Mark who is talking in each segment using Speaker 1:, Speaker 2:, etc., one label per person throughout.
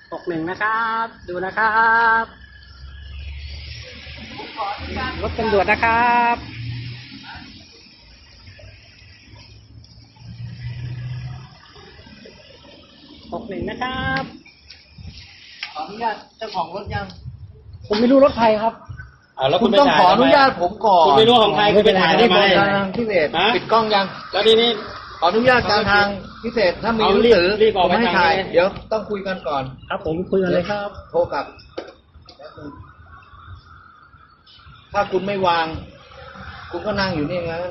Speaker 1: 61นะครับดูนะครับรถตำรวจนะครับ61นะครับ
Speaker 2: ขออนุญาตเจ้าของรถยัง
Speaker 1: ผมไม่รู้รถใครครับ
Speaker 3: แล้ว
Speaker 2: คุณต้องขออนุญาตผมก่อน
Speaker 3: คุณไม่รู้ของใครคุณไปถ่ายได้ไหม
Speaker 2: ทางพิเศษ
Speaker 3: ฮะ
Speaker 2: ปิดกล้องยัง
Speaker 3: แล้วทีนี้
Speaker 2: ขออนุญาตการทางพิเศษถ้ามีหนังสือ
Speaker 3: รีบออก
Speaker 2: ผมให้
Speaker 3: ไปทาง
Speaker 2: ถ่าย
Speaker 3: นี้
Speaker 2: เดี๋ยวต้องคุยกันก่อน
Speaker 1: ครับผมคุยกันเลยครับ
Speaker 2: โทรกลับแป๊บนึงถ้าคุณไม่วาง คุณก็นั่งอยู่นี่นะ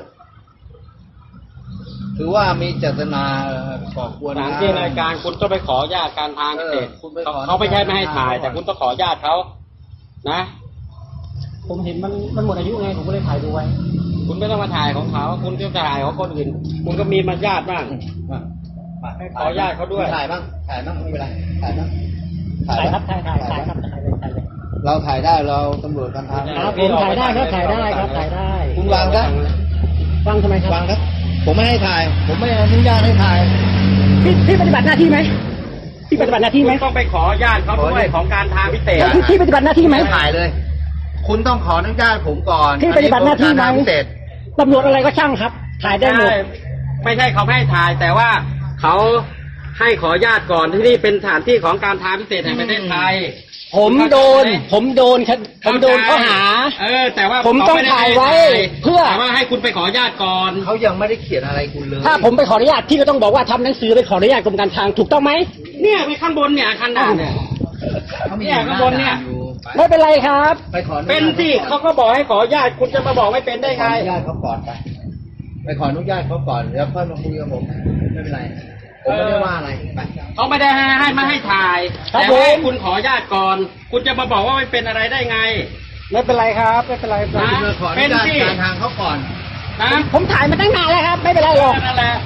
Speaker 2: ถือว่ามีเจตนาก่อกวน
Speaker 3: สถานที่รายการคุณต้องไปขออนุญาตการทางพิเศษ
Speaker 2: คุณไปขอ
Speaker 3: เขาไม่ใช่ไม่ให้ถ่าย แต่คุณต้องขออนุญาตเขานะ
Speaker 1: ผมเห็นมันหมดอายุไงผมก็เลยถ่ายดูไว้
Speaker 3: คุณไม่ต้องมาถ่ายของเขาคุณต้องถ่ายของคนอื่น คุณก็มีมารยาทบ้าง
Speaker 2: มา
Speaker 3: ให้ขออนุญาตเขาด้วย
Speaker 2: ถ่ายบ้างไม่เป็นไรถ่ายบ้าง
Speaker 1: ถ่ายครับถ่ายครับถ่ายเลย
Speaker 2: เราถ่ายได้เราตำรวจกันทาง
Speaker 1: ครับผมถ่ายได้ครับถ่ายได้ครับถ่ายได้
Speaker 2: คุณวางซะ
Speaker 1: ฟังทำไมครับ
Speaker 2: วางครับผมไม่ให้ถ่าย ผมไม่อนุญาตให้ถ่าย
Speaker 1: พี่ปฏิบัติหน้าที่ไหมพี่ปฏิบัติหน้าที่ไหม
Speaker 3: คุณต้องไปขออนุญาตเขาด้วยของการทางพิเศษ
Speaker 1: พี่ปฏิบัติหน้าที่ไหม
Speaker 2: ไม่ถ่ายเลย คุณต้องขออนุญาตผมก่อน
Speaker 1: พี่ปฏิบัติหน้าที่ไหม
Speaker 2: อักรพิเศษ
Speaker 1: ตำรวจอะไรก็ช่างครับ ถ่ายได้หมด
Speaker 3: ไม่ใช่เขาไม่ให้ถ่าย แต่ว่าเขาให้ขออนุญาตก่อนที่นี่เป็นสถานที่ของการทางพิเศษแห่งประเทศไทย
Speaker 1: ผมโดนข้อหา
Speaker 3: แต่ว่า
Speaker 1: ผมต้องถ่ายไว้เพื่อ
Speaker 3: แต่ว่าให้คุณไปขออนุญาตก่อน
Speaker 2: เขายังไม่ได้เขียนอะไรคุณเลย
Speaker 1: ถ้าผมไปขออนุญาตพี่ก็ต้องบอกว่าทำหนังสือไปขออนุญาตกรมการทางถูกต้องไหม
Speaker 3: เนี่ยไปข้างบนเนี่ยอาคันด่านเนี่ย
Speaker 2: เขามี
Speaker 3: เนี่ยข้างบนเนี่ย
Speaker 2: อยู่ไป
Speaker 1: ไม่เป็นไรครับ
Speaker 2: ไปขออญาต
Speaker 3: เป็นสิเขาก็บอกให้ขออนุญาตคุณจะมาบอกไม่เป็นได้
Speaker 2: ขอ
Speaker 3: ไง
Speaker 2: อนุญาตเขาก่อนไปขออนุญาตเขาก่อนแล้วค่อยมาคุยกับผมไม่เป็นไรผมไม่ได้ว่าอะไรไป
Speaker 3: เขาไม่ได้ให้มาให้ถ่าย
Speaker 1: ครับ
Speaker 3: แต่ว่าให้
Speaker 1: ผม
Speaker 3: คุณขออนุญาตก่อน คุณจะมาบอกว่าไม่เป็นอะไรได้ไง
Speaker 1: ไม่เป็นไรครับไม่เป็นไร
Speaker 3: นะ
Speaker 2: คุณมาขออนุญาตการทางเขาก่อน
Speaker 3: นะ
Speaker 1: ผมถ่ายมาตั้งนานแล้วครับ ไม่เป็นไรหรอก
Speaker 3: นั่นแหละ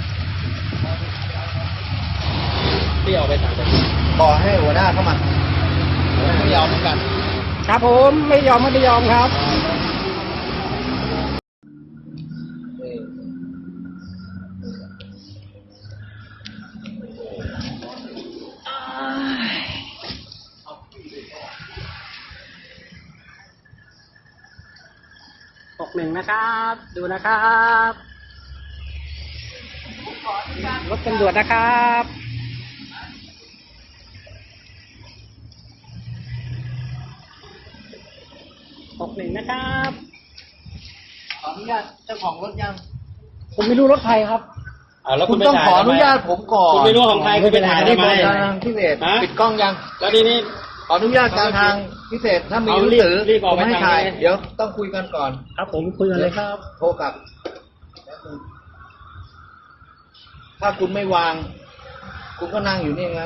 Speaker 3: ที่ออกไปต่างจังหวัด
Speaker 2: บอกให้หัวหน้าเข้ามาไม่ยอมเหมือนกัน
Speaker 1: ครับผมไม่ยอมครับ 61นะครับดูนะครับรถตำรวจนะครับ61นะครับ
Speaker 2: ขออนุญาตเจ้าของรถยัง
Speaker 1: ผมไม่รู้รถใครครับ
Speaker 3: แล้ว
Speaker 2: คุ
Speaker 3: คุณ ณ
Speaker 2: ต้องขออนุญาตผมก่อน
Speaker 3: คุณไม่รู้ของใครคุณไปถ่ายได้ไหม
Speaker 2: ทางพิเศษ
Speaker 3: ฮะ
Speaker 2: ปิดกล้องยัง
Speaker 3: แล้วทีนี้
Speaker 2: ขออนุญาตการทางพิเศษถ้ามีหนังสือ
Speaker 3: รีบออก
Speaker 2: ผม
Speaker 3: ไป
Speaker 2: ให้
Speaker 3: ทาง
Speaker 2: ถ่าย
Speaker 3: นี้
Speaker 2: เดี๋ยวต้องคุยกันก่อน
Speaker 1: ครับผมคุยกันเลยครับ
Speaker 2: โทรกลับแป๊บนึงถ้าคุณไม่วาง คุณก็นั่งอยู่นี่นะ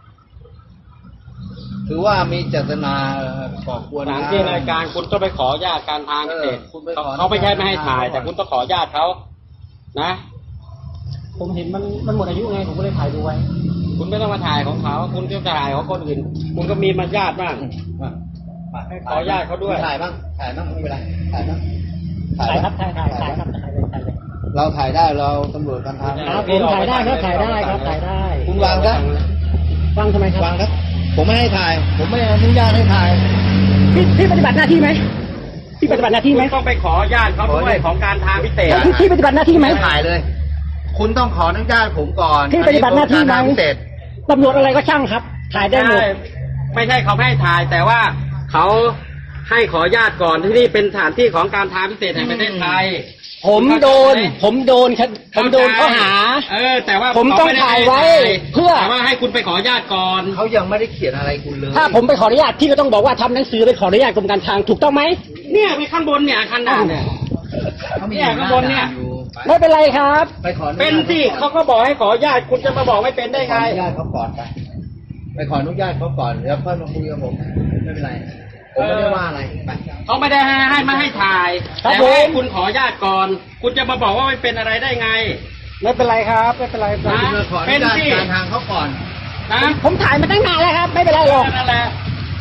Speaker 2: ถือว่ามีเจตนาก่อกวน
Speaker 3: สถานที่รายการคุณต้องไปขออนุญาตการทางพิเศษ
Speaker 2: คุณไปขอ
Speaker 3: เขาไม่ใช่ไม่ให้ถ่าย แต่คุณต้องขออนุญาตเขานะ
Speaker 1: ผมเห็นมันหมดอายุไงผมก็เลยถ่ายดูไว้
Speaker 3: คุณไม่ต้องมาถ่ายของเขาคุณต้องถ่ายของคนอื่น คุณก็มีมารยาทบ้าง
Speaker 2: มา
Speaker 3: ให้ขออนุญาตเขาด้วย
Speaker 2: ถ่ายบ้างไม่เป็นไรถ่ายบ้าง
Speaker 1: ถ่ายครับถ่ายครับถ่ายเลย
Speaker 2: เราถ่ายได้เราตำรวจกันทาง
Speaker 1: ครับผมถ่ายได้ครับถ่ายได้ครับถ่ายได้
Speaker 2: คุณวางซะ
Speaker 1: ฟังทำไมครับ
Speaker 2: วางครับ ผมไม่ให้ถ่าย ผมไม่อนุญาตให้ถ่าย
Speaker 1: พี่ปฏิบัติหน้าที่ไหมพี่ปฏิบัติหน้าที่ไหม
Speaker 3: คุณต้องไปขออนุญาตเขาด้วยของการทางพิเศษ
Speaker 1: พี่ปฏิบัติหน้าที่ไหม
Speaker 2: ไม่ถ่ายเลย คุณต้องขออนุญาตผมก่อน
Speaker 1: พี่ปฏิบัติหน้าที่ไหม
Speaker 2: อักรพิเศษ
Speaker 1: ตำรวจอะไรก็ช่างครับ ถ่ายได้หมด
Speaker 3: ไม่ใช่เขาไม่ให้ถ่าย แต่ว่าเขาให้ขออนุญาตก่อนที่นี่เป็นสถานที่ของการทางพิเศษแห่งประเทศไทย
Speaker 1: ผมโดนข้อหา
Speaker 3: แต่ว่า
Speaker 1: ผมต้องถ่ายไว้เพื่อ
Speaker 3: แต่ว่าให้คุณไปขออนุญาตก่อน
Speaker 2: เขายังไม่ได้เขียนอะไรคุณเลย
Speaker 1: ถ้าผมไปขออนุญาตพี่ก็ต้องบอกว่าทำหนังสือไปขออนุญาตกรมการทางถูกต้องไหม
Speaker 3: เนี่ยไปข้างบนเนี่ยอาคันด่านเนี่ย
Speaker 2: เขามี
Speaker 3: เนี่ยข้างบนเนี่ย
Speaker 2: อยู่ไป
Speaker 1: ไม่เป็นไรครับ
Speaker 2: ไปขออญาต
Speaker 3: เป็นสิเขาก็บอกให้ขออนุญาตคุณจะมาบอกไม่เป็นได้
Speaker 2: ขอ
Speaker 3: ไง
Speaker 2: อนุญาตเขาก่อนไปขออนุญาตเขาก่อนแล้วค่อยมาคุยกับผมไม่เป็นไรผมไม่ได้ว่าอะไรไป
Speaker 3: เขาไม่ได้ให้มาให้ถ่าย
Speaker 1: ครับ
Speaker 3: แต่ว่าให้
Speaker 1: ผม
Speaker 3: คุณขออนุญาตก่อน คุณจะมาบอกว่าไม่เป็นอะไรได้ไง
Speaker 1: ไม่เป็นไรครับไม่เป็นไร
Speaker 3: นะ
Speaker 2: คุณมาขออนุญาต
Speaker 3: เป็นสิ
Speaker 2: การทางเขาก่อน
Speaker 3: นะ
Speaker 1: ผมถ่ายมาตั้งนานแล้วครับ ไม่เป็นไรหรอก
Speaker 3: นั่นแหละ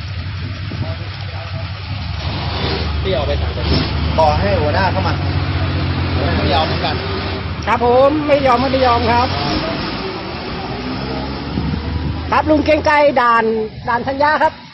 Speaker 3: ที่ออกไปต่างจังหวัด
Speaker 2: บอกให้หัวหน้าเข้ามาไม่ยอมเหมือนกัน
Speaker 1: ครับผมไม่ยอมครับครับลุงเกรียงไกรด่านธัญญาครับ